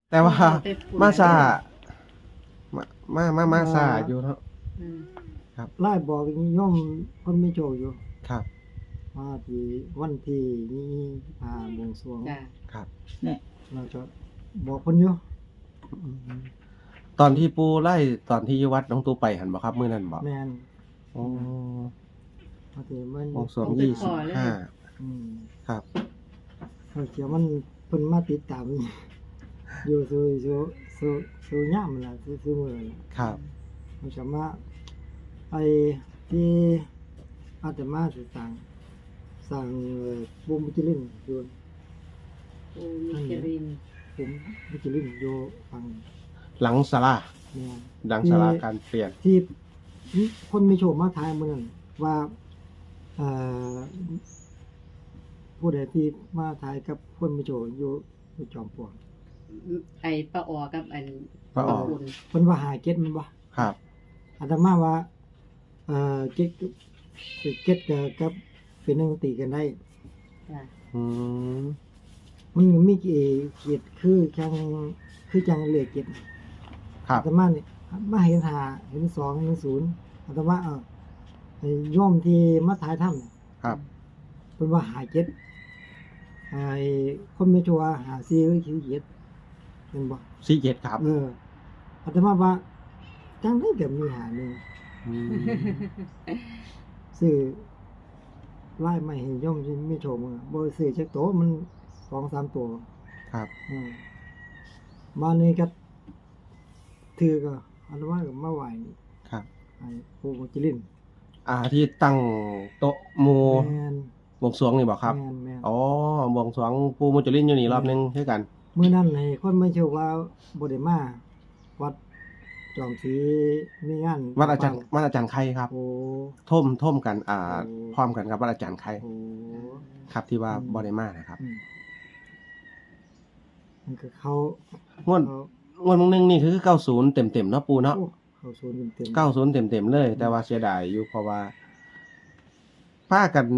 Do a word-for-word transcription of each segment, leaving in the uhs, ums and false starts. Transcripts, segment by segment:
แต่ว่าไปฝุ่นมาซาอะไรมามามามาซาอยู่เนาะอืมไล่บอกย่อมคนไม่โจอยู่ครับมาที่วันที่นี้พาบวงสรวงจ้ะครับเราจะบอกคนอยู่ตอนที่ปูไล่ตอนที่อยู่วัดน้องตูไปหันบ่ครับมื้อนั้นบ่แมนอ๋อมาที่มันวงสรวงยี่สิบห้าอืมครับเขาเขียวมันเพิ่นมาติดตาม อยู่สู่สู่สู่สู่ย่ามล่ะสู่สู่มื้อล่ะครับมันจะมาไอ้ที่อาตมาสิสั่งสั่งเอ่อบุมมิจิลินอยู่โอ้มิเครินบุมมิจิลินอยู่ฝั่งหลังศาลาเนี่ยหลังศาลาการเปลี่ยนที่คนมีโชคมาทายเมืองว่าเอ่อผู้ใดที่มาทายกับคนมีโชคอยู่อยู่จอมปลวกไอ้ปลาออกับอันปลาออฝุ่นเพิ่นว่าหาเก็ดมันบ่ครับอาตมาว่าเอ่อเก็ดเก็ดกับกับเป็นหนึ่งตีกันได้จ้ะอืมมันมีเกี่เกียดคือจังคือจังเหลือเกียดครับอาตมานี่มาเห็นหาเห็นสองเห็นศูนย์อาตมาเออไอ้โย่อมที่มาถ่ายถ้ำเนี่ยครับเป็นว่าหาเจ็ดไอ้คนไม่ชัวร์หาซีหรือคิวเจ็ดเป็นบ่สี่เจ็ดครับเอออาตมาว่าจังได้แบบมีหาหนึ่งอืมซื้อไล่ไม่เห็นย่อมที่ไม่โชว์มือบ่ซื้อจักโตวมันสองสามตัวครับอืมมานี่ก็ถือก็อาตมาก็มาไหว้ครับไอ้ปู่มุจลินอ่าที่ตั้งโต๊ะหมู่แม่นบวงสรวงนี่บ่ครับแม่นแม่นอ๋อบวงสรวงปูมุจลินอยู่นี่รอบนึงคือกันมื้อนั้นให้คนไม่เชื่อว่าบ่ได้มาวัดจอมศรีมีงานวัดอาจารย์วัดอาจารย์ไข่ครับโอ้ท่มท่มกัน อ่าโอ้พร้อมกันกับวัดอาจารย์ไข่โอ้ครับที่ว่าอืมบ่ได้มานะครับอืมมันก็เขางวดเขางวดมึงนึงนี่คือเก้าสิบเต็มๆเนาะปูเนาะโอ้เขาศูนย์เต็มๆเก้าสิบเต็มๆเลย แต่ว่าเสียดายอยู่เพราะว่าพากัน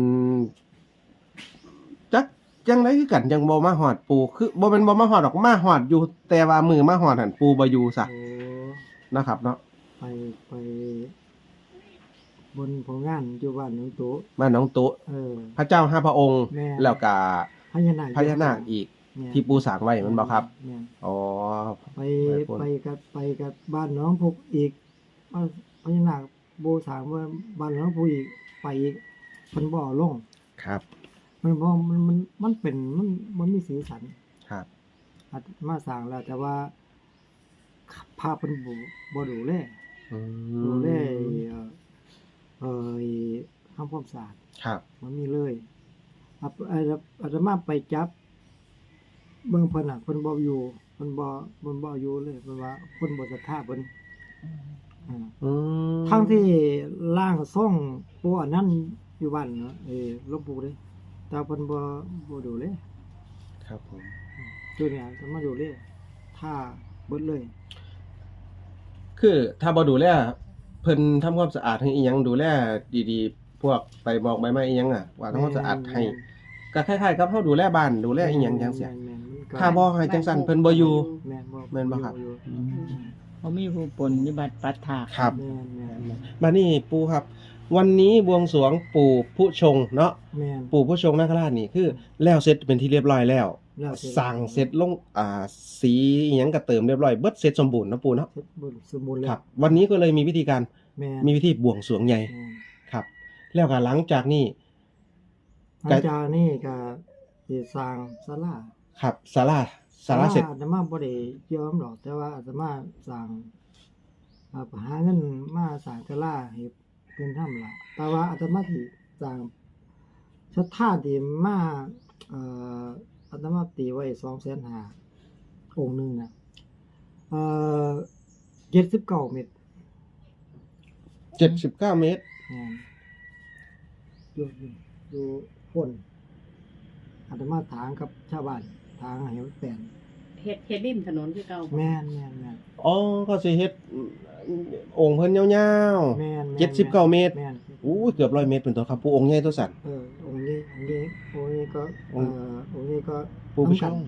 จักจังไดคือกันจังบ่มาฮอดปูคือบ่แม่นบ่มาฮอดดอกมาฮอดอยู่ แต่ว่ามือมาฮอดหั่นปูบ่อยู่ซะโอ้นะครับเนาะไปไปบนผลงานอยู่บ้านหนองโตมาน้องโตะเออพระเจ้าห้าพระองค์แม่แล้วก็พญานาคพญานาคอีกแม่นที่ปูสร้างไว้แมันบ่ครับแม่นอ๋อไปไปพุ่นไปกับไปกับบ้านหน้องพุกอีกว่าพญานาคโบถามว่าบ้านหน้องพุกอีกไปอีกมันบ่อลงครับมันบ่มันมันมันเป็นมันมันมีสีสันครับอาจมาสร้างแล้ว แต่ว่าภาพเป็นบ่บ่ดูแลอืดูแลมเอ่อเอ่อทำความสะอาดครับมันมีเลยอาอาอาตมาไปจับเบิ่งเพิ่นน่ะเพิ่นบ่อยู่เพิ่นบ่เพิ่นบ่อยู่เลยเพราะว่าเพิ่นบ่ศรัทธาเพิ่นอ่าอืมทั้งที่ร่างทรงปู่อันนั้นอยู่บ้านเนาะเอ้หลวงปู่เด้แต่เพิ่นบ่บ่ดูเลยครับผมตัวเนี่ยจะมาดูเลยถ้าเบิดเลยคือถ้าบ่ดูแลเพิ่นทำความสะอาดให้อีหยังดูแลดีๆ พวกใบบอกใบไม้อีหยังอ่ะว่าทำความสะอาดให้ก็คล้ายๆกับเฮาดูแลบ้านดูแลอีหยังจังซี่แม่นๆมันก็ถ้าบ่ให้จังซั่นเพิ่นบ่อยู่แม่นบ่แม่นบ่ครับอยู่อืมเขามีผู้ปนนิบัติปัตถาครับแม่นแม่นมานี่ปู่ครับ วันนี้บวงสรวงปู่ผู้ชงเนาะแม่นปู่ผู้ชงนาคราชนี่คือแล้วเสร็จเป็นที่เรียบร้อยแล้วแล้วเสร็จสั่งเสร็จลงอ่าสีอิหยังก็เติมเรียบร้อยเบิดเสร็จสมบูรณ์เนาะปู่เนาะเสร็จบสมบูรณ์แล้ครัวบ วันนี้ก็เลยมีวิธีการแม่นมีวิธีบวงสรวงใหญ่แม่นครับ แล้วก็หลังจากนี้หลังจากนี้ก็สิสร้างศาลาครับศาลาศาลาเสร็จอาตมาบ่ได้ยอมหรอก แต่ว่าอาตมาสร้างอ่าหาเงินมาสร้างศาลาให้เพิ่นทำล่ะแต่ว่าอาตมาสิสร้างศรัทธาที่มาเอ่ออาตมาตีไว้สองแสนห้าหมื่นองค์หนึงน่ะเอ่อเจ็ดสิบเก้าเมตรเจ็ดสิบเก้าเมตรงานอยู่อยู่พ่นอาตมาถางกับชาวบ้านถางให้มันแปลนเฮ็ดเฮ็ดริมถนนคือเก่าบ่แม่นแม่นแม่นอ๋อก็สิเฮ็ดองค์เพิ่นยาวแม่นๆเจ็ดสิบเก้าเมตรแม่นอู้เกือบร้อยเมตรเป็นตัวครับปู่องค์ใหญ่ตัวสั่นเออองค์นี้องค์นี้องค์นี้ก็เอ่อองค์นี้ก็ปู่ผู้ชงทำกันทำกันโ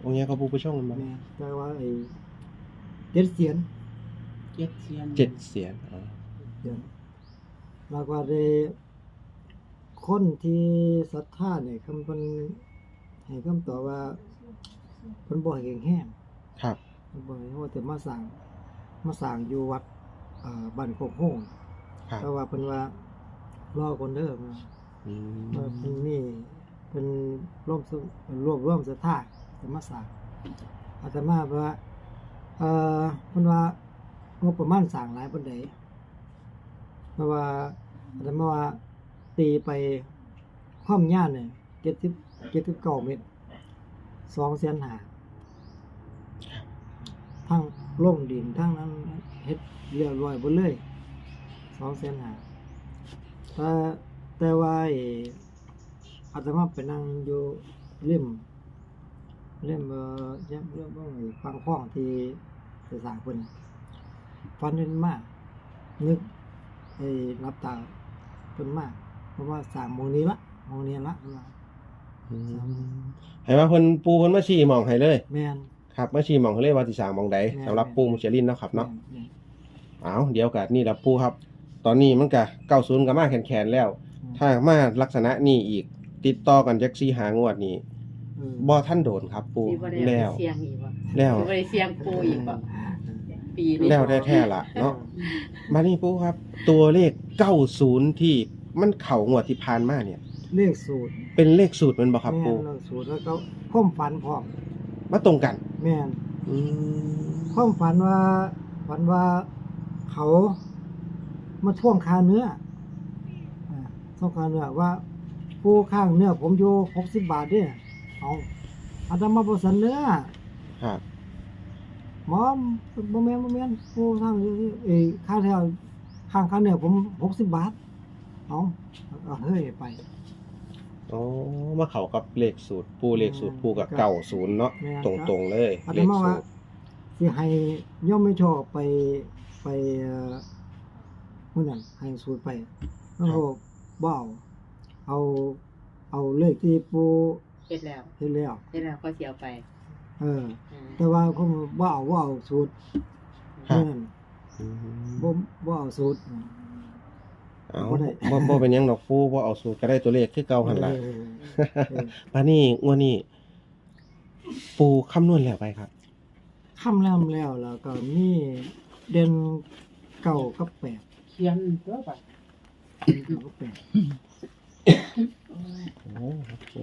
องค์เนี้ยก็ปูผู้ช่องมันบ่แม่นแต่ว่าไอ้เจ็ดเสียนเจ็ดเสียนเจ็ดเสียนอ๋อเสียนแล้วก็ได้คนที่ศรัทธาเนี่ยคำเพิ่นให้คำตอบว่าเพิ่นบ่ให้แห้งครับเพิ่นบ่ให้ว่าแต่มาสร้างมาสร้างอยู่วัดเอ่อบ้านโคกโฮงครับแต่ว่าเพิ่นว่ารอคนเด้อว่าอืมว่าเพิ่นมีเพิ่นร่วมสุรวบรวมศรัทธาจะมาสร้างอาตมาว่าเอ่อเพิ่นว่างบประมาณสร้างหลายปานใดเพราะว่าอาตมาว่าตีไปความยาวเนี่ยเจ็ดสิบ เจ็ดสิบเก้าเมตรสองแสนห้าทั้งลงดินทั้งนั้นเฮ็ดเรียบร้อยเบิดเลยสองแสนห้าแต่แต่ว่าไอ้อาตมาไปนั่งอยู่เล่มเล่มเอ่อยังเรื่องบ่ไอ้ฟังข้องที่จะสร้างเพิ่นฟันเห็นมานึกไอ้รับตาเพิ่นมาเพราะว่าสร้างหม้องนี้ละหม้องนี้ละเพิ่นว่าอืมให้ว่าเพิ่นปูเพิ่นมาชี้หม่องให้เลยแม่นครับมาชี้หม่องให้เลยว่าสิสร้างหม่องใดแม่นสำหรับปูมุจลินเนาะครับเนาะแม่นอ้าวเดี๋ยวก็นี่ล่ะปูครับ ตอนนี้มันก็เก้าสิบก็มาแขนๆแล้ว ถ้ามาลักษณะนี้อีก ติดต่อกันจักสี่หางวดนี้เออบ่ทันโดนครับปูสิบ่ได้แล้เอาวไปเสียงอีกบ่แล้วสิบ่ได้เสียงปูอีกบ่ปีนี้แล้วแท้ๆล่ะเนาะมานี่ปูครับ ตัวเลขเก้าสิบที่มันเข้างวดที่ผ่านมาเนี่ยเลขสูตรเป็นเลขสูตรแมันบ่ครับแม่ปูนเลขสูตรแล้วก็ความฝันพร้อมมาตรงกันแม่นอืมความฝันว่าฝันว่าเขามาท่วงค่าเนื้ออ่าท่วงค่าเนื้อว่าผู้ข้างเนื้อผมอยู่หกสิบบาทเด้อเอาอาตมาบ่สันเนื้อครับหมอบ่แม่นบ่แม่นผู้ข้างเนื้อเอ้ยค่าเท่าข้างค่าเนื้อผมหกสิบบาทเอาเอาเฮ้ยไปอ๋อมาเข้ากับเลขสูตรปูเลขสูตรปูกับเก้าสิบเนาะแม่นตรงๆเลยอาตเลขมาสูว่าตรสิให้ย่อมไม่ชอบไปไปเอ่อมื้อนั้นให้สูตรไปแล้วก็บ่เอาเอาเอาเลขที่ปูเฮ็ดแล้วเฮ็ดแล้วเฮ็ดแล้วก็สิเอาไปเอออ่าแต่ว่าผมบ่เอาบ่เอาสูตรครับนั่นอืมบ่บ่เอาสูตรเอาบ่ได้บ่บ่เป็นหยังดอกปูบ่เอาสูตรก็ได้ตัวเลขคือเก่าหั่นล่ะเออเออปานนี้งวดนี้ปูคำนวณแล้วไปครับค่ำแล้วแล้วแล้วก็มีเด่นเก้ากับแปดเขียนตัวบัดเด่นเก้ากับแปดโอ้ครับปู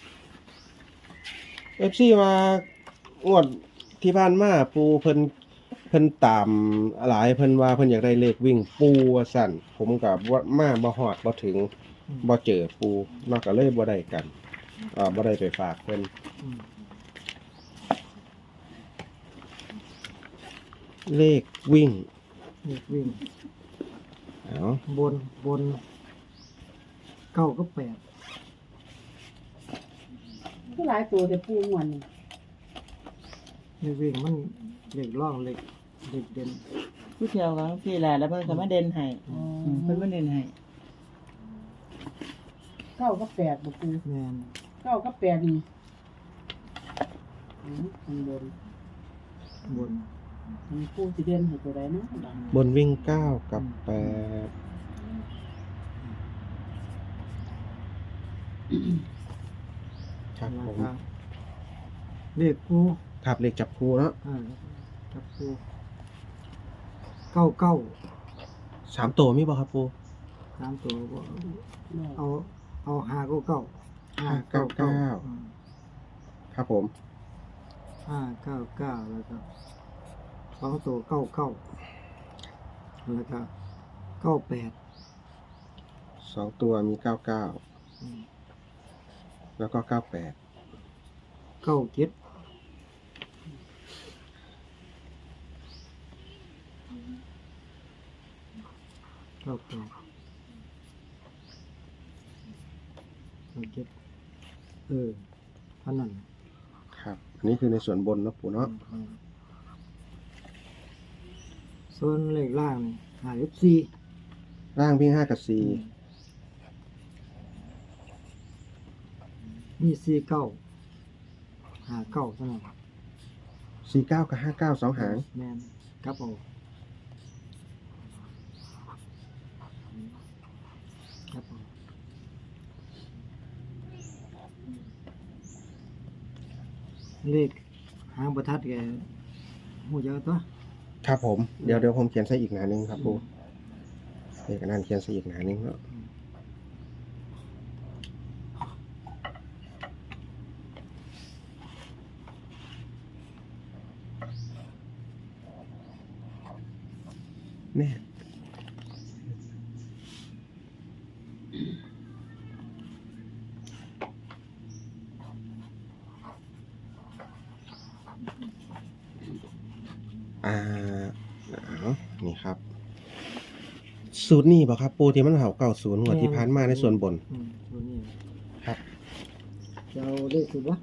เอฟ ซี มางวดที่ผ่านมาปูเพิ่นเพิ่นตามหลายเพิ่นว่าเพิ่นอยากได้เลขวิ่งปูว่าซั่นผมก็บ่มาบ่ฮอดบ่ถึงบ่เจอปูนอกก็เลยบ่ได้กันอ่าบ่ได้ไปฝากเพิ่นอืมเลขวิ่งเลขวิ่งเอาบนบนเก้ากับแปดผู้หลายตัวแต่ปูม่วนนี่เลขวิ่งมันเลขร่องเลขเลขเด่นผู้เที่ยวก็พี่แหละแล้วเพิ่นก็มาเด่นให้มเพิ่นมาเด่นให้เก้ากับแปดบ่ปูแม่นเก้ากับแปดนี่อืมข้างบนบนอืมปูสิเด่นให้ตัวใดเนาะบัดบนวิ่งเก้ากับแปดครับแล้วผมก็เลขกูครับเลขจับคู่เนาะอ่ากับกูเก้าเก้าสามตัวมีบ่ครับปูสามตัวบ่เนาะเอาเอาห้าเก้าเก้าห้าเก้าเก้าอืมครับผมห้าเก้าเก้าแล้วก็สองตัวเก้าเก้าแล้วก็เก้าแปดสองตัวมีเก้าเก้าอืมแล้วก็เก้าแปดเก้าเจ็ดเก้าเก้าเก้าเจ็ดเออเท่านั้นครับ อันนี้คือในส่วนบนเนาะปูเนาะอืมส่วนเลขล่างนี่หาเอฟซีร่างวิ่งห้ากับสี่มีสี่เก้าหหาเก้าเท่านั้นสี่เก้ากับห้าเก้าสองหางแม่นกลับเอากลับเอาเลขหางประทัดแกหูเยอะตัวครับผมเดี๋ยวเดี๋ยวผมเขียนใส่อีกหนาหนึงครับปูเลขอันนั้นเขียนใส่อีกหนาหนึงเนาะแน่อ่าเอานี่ครับ สูตรนี้บ่ครับปูที่มันเห่าเก้าศูนย์หัวดที่ผ่านมาในส่วนบนอืมตัวนี้ครับจะเอาเลขสุดวะ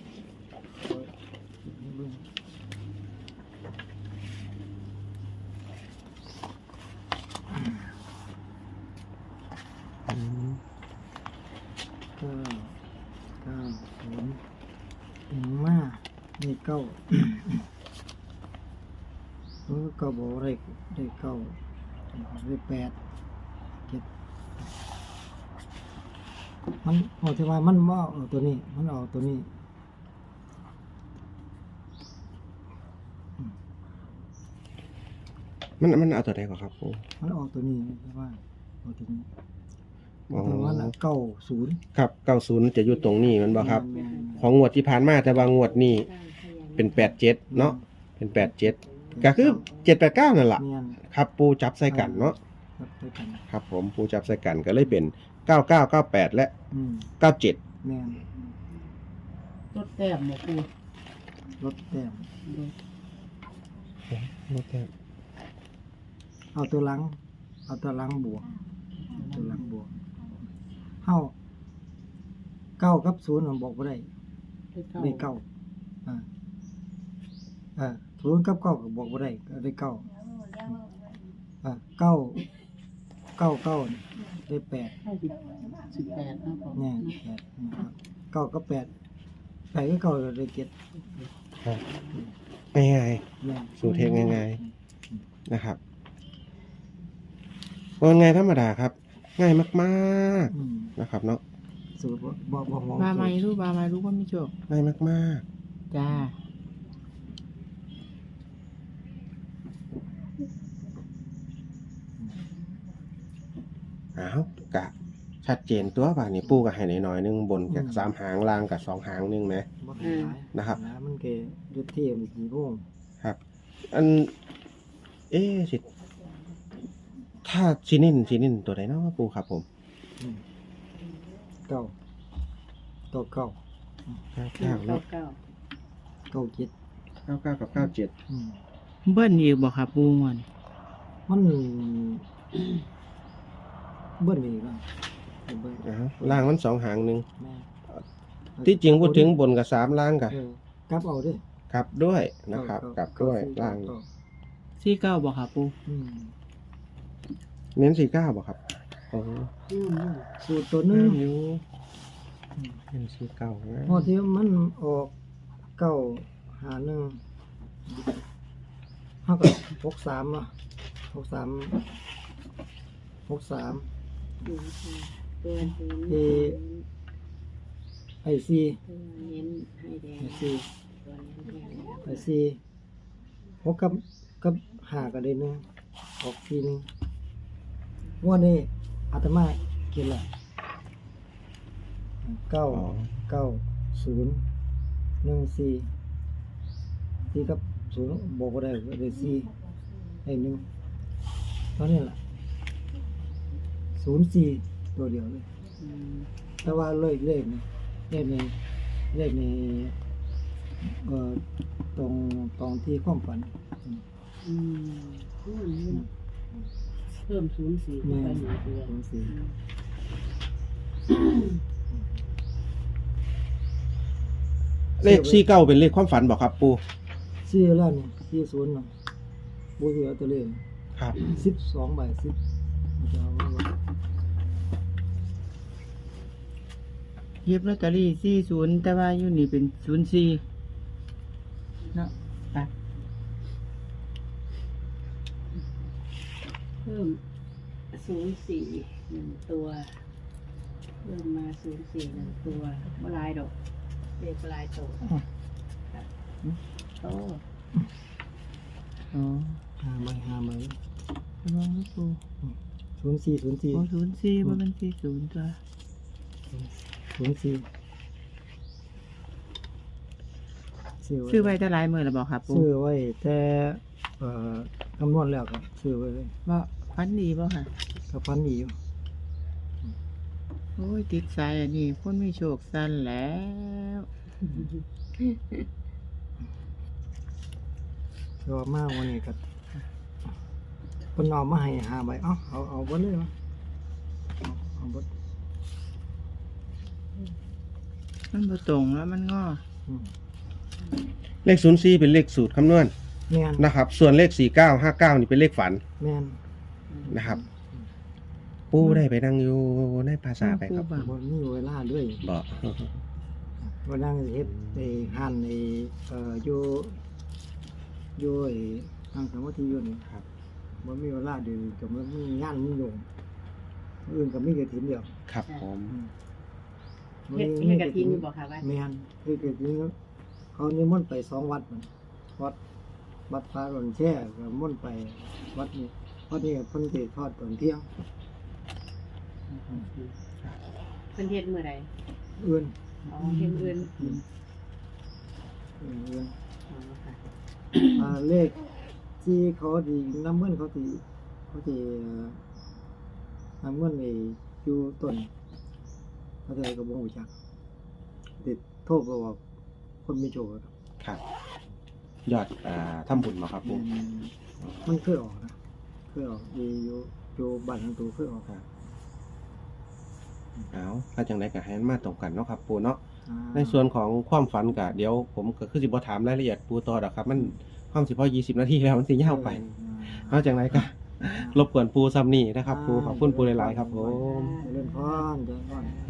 เก้าเก้าศูนย์ถึงมาเลขเก้าเออเก้าบอกเลขเลขเก้าเลขแปดเจ็ดมันเอาที่ว่ามันว่าเอาตัวนี้ มันเอาตัวนี้มันมันเอาตัวใดก่อนครับปูมันออกตัวนี้แต่ว่าออกตัวนี้อ๋อแต่ว่าน่ะเก้าศูนย์ครับเก้าศูนย์จะอยู่ตรงนี้มันบ่ครับแม่นของงวดที่ผ่านมาแต่ว่างวดนี้เป็นแปดเจ็ดเนาะเป็นแปดเจ็ดก็คือเจ็ดแปดเก้านั่นแหละแม่นครับปูจับใส่กันเนาะครับด้วยกันครับผมปูจับใส่กันก็เลยเป็นเก้าเก้าเก้าแปดและอืมเก้าเจ็ดแม่นรถแต้มหมปูลดแต้ม เอาตัวหลัง เอาตัวหลังบวก ตัวหลังบวกเฮาเก้ากับศูนย์มันบอกบ่ได้เลขเก้าได้เก้าอ่าอ่าศูนย์กับเก้าก็บอกบ่ได้ก็ได้เก้าอ่าเก้าเก้าเก้านี่ได้แปดห้าสิบสิบแปดนะพ่อเนี่ยแปดนะครับเก้ากับแปดแปดก็เก้าก็ได้เจ็ดง่ายเนี่ยๆสูตรเทคง่ายๆนะครับว่าไงธรรมดาครับ ง่ายมากอืมๆนะครับเนาะสูตรบ่บ่บ่มองมาใหม่สูตรรู้มาใหม่รู้ว่าไม่โชคง่ายมากจ้าๆอ้าวกะชัดเจนตัวป่ะนี่ปูกับให้หน่อยๆนึงบนกับสามหางล่างกับสองหางนึงไหมบ่ให้หลายนะครับนะมันก็อยู่ที่มันกี่โมงครับ อัน เอ๊ะสิถ้าซีนินซีนินตัวไหนเนาะปูครับผมอืมเก้าเก้าเก้าเก้าเก้าเก้าเก้าเนาะเก้าเจ็ดเก้าเก้ากับเก้าเจ็ดอืมเบิ้ลอีกบ่ครับปูมันมันเบิ้ลอีกแล้วเบิ้ลอ้าวล่างมันสองหางหนึ่งแม่ที่จริงพูดถึงบนกับสามล่างกับเออกลับเอาเด้วยกลับด้วยนะครับกลับด้วยล่างสี่เก้าบ่ครับปูอืมเน้นสี่เก้าบ่ครับโอ้อืมอืมสูตรตัวหนึงอยู่เน้นสี่เก้านะพอที่มันออกเก้าหาหนึ่งเท่ากับหกสามเนาะหกสามหกสามศูนย์ค่ะตัวเน้นเอ ไอซีตัวเน้นให้แดงไอซีตัวเน้นให้แดงไอซีหกกับกับหากันเลยหนึงออกทีหนึงงวันนี้อาตมากินละเก้าอ๋อเก้าศูนย์หนึ่งสี่สี่กับศูนย์บอกว่าได้ก็ได้สี่ไอ้หนึ่งเท่านี้แหละศูนย์สี่ตัวเดียวเลยอืมแต่ว่าเลขเลขนี่เลขในเลขในเอ่อตรงตรงที่ความฝันอืมอืมนี่นะเพิ่มศูนย์สี่เข้าแม่ไปหนึ่งตัวศูนย์สี่เลขสี่เก้าเป็นเลขความฝันบอกครับปูสี่แล้วนี่สี่ศูนย์เนาะบูเหลือตัวเลขครับสิบสองใบสิบจะเอาไว้ว่าเย็บลอตเตอรี่สี่ศูนย์แต่ว่าอยู่นี่เป็นศูนย์สี่เนาะไปเพิ่มศูนย์สี่หนึ่งตัว เพิ่มมาศูนย์สี่หนึ่งตัวเมื่อไรดอกเด็กลายโตโตอ๋อหาใบหาใบระวังลูกปูศูนย์สี่ศูนย์สี่โอ้ศูนย์สี่บ่มันสี่ศูนย์ตัวศูนย์สี่ซื้อไว้ซื้อไว้เท่าหลายมื้อแล้วบ่ครับปูซื้อไว้แต่เอ่อคำนวณแล้วก็ซื้อไว้เลยบ่ฟันดีบ่ค่ะก็พันดีอยู่โอ้ยติดสายอันนี้คนมีโชคสั้นแล้วแต่ว่ามาวันนี้ก็เพิ่นเอามาให้หาใบเอ้าเอาเอาเบ่เลยวะเอาเอาเบ่มันบ่ตรงแล้วมันงออืมเลขศูนย์สี่เป็นเลขสูตรคำนวณแม่นนะครับ ส่วนเลขสี่เก้าห้าเก้านี่เป็นเลขฝันแม่นนะครับ ปูได้ไปนั่งอยู่ในภาษาไปครับปูบ่มีเวลาด้วยบอกว่านั่งเฮ็ดไอ้หันไอ้เอ่ออยู่อยู่ไอ้ทางสมาธิอยู่นี่ครับบ่มีเวลาเดี๋ยวก็มันมีงานมีโยงอื่นก็มีกฐินเดียวครับผมอืมเฮ็ดเฮ็ดกะทินอยู่บ่ค่ะว่าแม่นเฮ็ดกฐินเขานิมนต์ไปสองวัดมันวัดวัดพระหล่นแช่ก็นิมนต์ไปวัดนี้วัดนี้เพิ่นสิทอดตอนเที่ยงเพิ่นเฮ็ดมื้อใดอื่นอ๋อเฮ็ดอื่นอืมอื่นอ๋อค่ะอ่าเลขที่เขาดีน้ำเงินเขาสิเขาสิเอ่อน้ำเงินไอ้อยู่ต้นเขาจะก็บ่รู้จักติดโทษบ่ว่าคนมีโชคครับครับ ยอดอ่าทำบุญมาครับปูมันเคยออกนะเคยออกดีอยู่อยู่บ้านทางตัวเคยออกครับเอาถ้าจังไดก็ให้มันมาตรงกันเนาะครับปูเนาะอ่าในส่วนของความฝันก็เดี๋ยวผมก็คือสิบ่ถามรายละเอียดปูต่อดอกครับ มันความสิพอยี่สิบนาทีแล้วมันสิยาวไปเอาจังไดก็รบกวนปูซ้ำนี่นะครับปูขอบคุณปูหลายๆครับผมเจริญพรเจริญพร